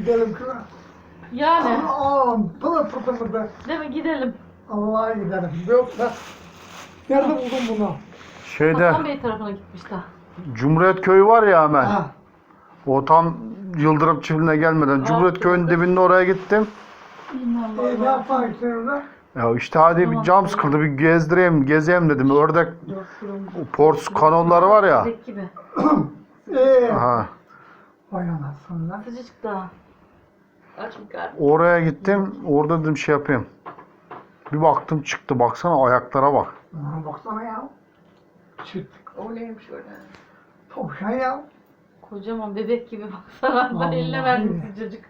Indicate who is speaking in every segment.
Speaker 1: Gidelim kıra.
Speaker 2: Yani.
Speaker 1: Pılı pırtımızda.
Speaker 2: Değil mi? Gidelim.
Speaker 1: Allah'a gidelim. Yoksa nerede buldun bunu?
Speaker 3: Şeyde
Speaker 2: Hasan Bey tarafına gitmiş daha.
Speaker 3: Cumhuriyet Köyü var ya hemen.
Speaker 1: Ha.
Speaker 3: O tam Yıldırım Çiftliği'ne gelmeden. Cumhuriyet Köyü'nün dibinde oraya gittim.
Speaker 1: Ne yaparsın orada?
Speaker 3: Ya işte hadi bir cam sıkıldı, bir gezeyim dedim. Ördek pors kanolları var ya.
Speaker 2: Bebek gibi.
Speaker 3: Aha.
Speaker 1: Vay anasını lan.
Speaker 2: Sıcacık daha.
Speaker 4: Aç mı karnı?
Speaker 3: Oraya gittim. Orada dedim şey yapayım. Bir baktım çıktı. Baksana ayaklara bak.
Speaker 1: Bana baksana ya. Süt.
Speaker 4: O neymiş öyle?
Speaker 1: Tavşan ya.
Speaker 2: Kocaman bebek gibi baksana. Ben
Speaker 1: Vallahi.
Speaker 2: eline verdim sıcacık.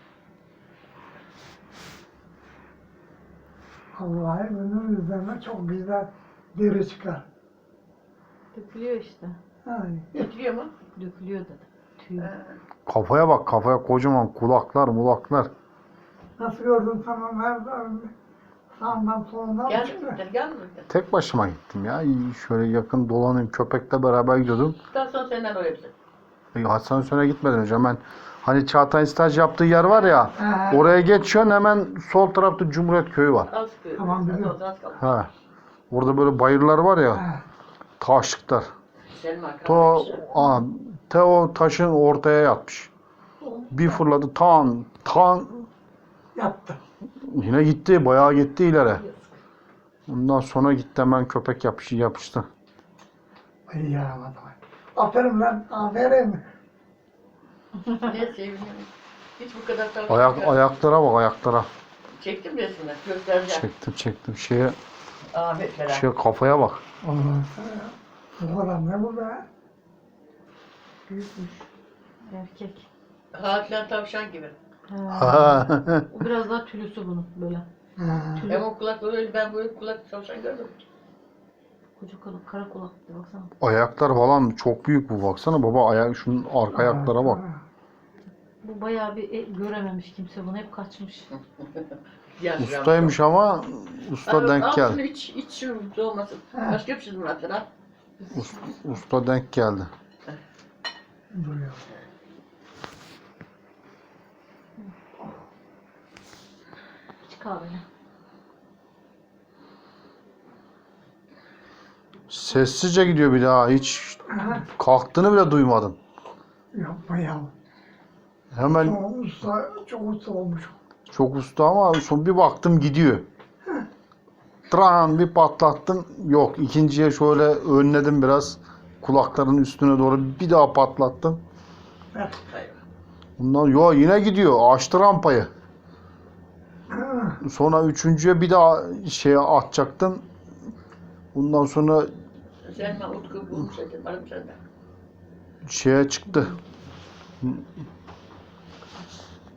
Speaker 1: Allah'ım önümün üzerine çok güzel deri çıkar.
Speaker 2: Dökülüyor işte.
Speaker 1: Ay.
Speaker 4: Getiriyor mu?
Speaker 2: Dökülüyor dedi. Tüy.
Speaker 3: Kafaya bak, kafaya kocaman kulaklar mulaklar.
Speaker 1: Nasıl gördün tamam her sağından solundan
Speaker 4: Gel
Speaker 1: çıktı.
Speaker 4: mi? Gel mi?
Speaker 3: Tek başıma gittim ya. Şöyle yakın dolanayım. Köpekle beraber gidiyordum.
Speaker 4: Daha sonra senden oraya bize.
Speaker 3: Hasan Sön'e gitmeden önce hemen hani Çağatay'ın staj yaptığı yer var ya. Oraya geçiyorsun, hemen sol tarafta Cumhuriyet Köyü var.
Speaker 4: Az sıkıyor.
Speaker 1: Tamam, biliyorum.
Speaker 4: Az kaldı.
Speaker 3: Ha. Orada böyle bayırlar var ya.
Speaker 1: Ha.
Speaker 3: Taşlıklar.
Speaker 4: Senin arkadaşın.
Speaker 3: O taşın ortaya yatmış. Bir fırladı tan
Speaker 1: Yaptı.
Speaker 3: yine gitti, bayağı gitti ileri. Ondan sonra gitti hemen köpek yapıştı.
Speaker 1: Ay yaramadım. Aferin lan. Aferin.
Speaker 4: Ne seviniyorum. Hiç bu kadar tavsiye
Speaker 3: Ayaklara bak, ayaklara.
Speaker 4: Çektim resmini. Göstereceğim.
Speaker 3: Çektim. Şeye
Speaker 4: Ahmet beraber.
Speaker 3: kafaya bak.
Speaker 1: Allah'ım sana ya. Bu adam ne bu be?
Speaker 2: Büyükmüş. Erkek.
Speaker 4: Hakan tavşan gibi.
Speaker 2: Ha. O biraz daha tülüsü bunun böyle.
Speaker 1: Ha.
Speaker 4: Hem o kulakları öyle, ben böyle kulak tavşan gördüm.
Speaker 2: Koca kulak, kara kulak diye baksana.
Speaker 3: Ayaklar falan çok büyük bu, baksana baba, şunun arka ayaklara bak.
Speaker 2: Bu bayağı bir görememiş kimse bunu, hep kaçmış.
Speaker 3: Ustaymış ama usta denk
Speaker 4: Al şunu
Speaker 3: geldi.
Speaker 4: iç şu soğumasın. Başka bir şey mi attın ha?
Speaker 3: Usta denk geldi.
Speaker 1: Duruyor.
Speaker 2: İç kahveni.
Speaker 3: Sessizce gidiyor bir daha, hiç kalktığını bile duymadım.
Speaker 1: Yapma ya.
Speaker 3: Hemen
Speaker 1: Çok usta olmuş.
Speaker 3: çok usta ama son bir baktım gidiyor. Tran bir patlattım, yok. İkinciye şöyle önledim biraz, kulaklarının üstüne doğru bir daha patlattım.
Speaker 4: Hayır.
Speaker 3: Bundan yine gidiyor, açtı rampayı. Sonra üçüncüye bir daha şeye atacaktım. Bundan sonra
Speaker 4: Sen Utku bulmuş zaten. Varım senden.
Speaker 3: şeye çıktı.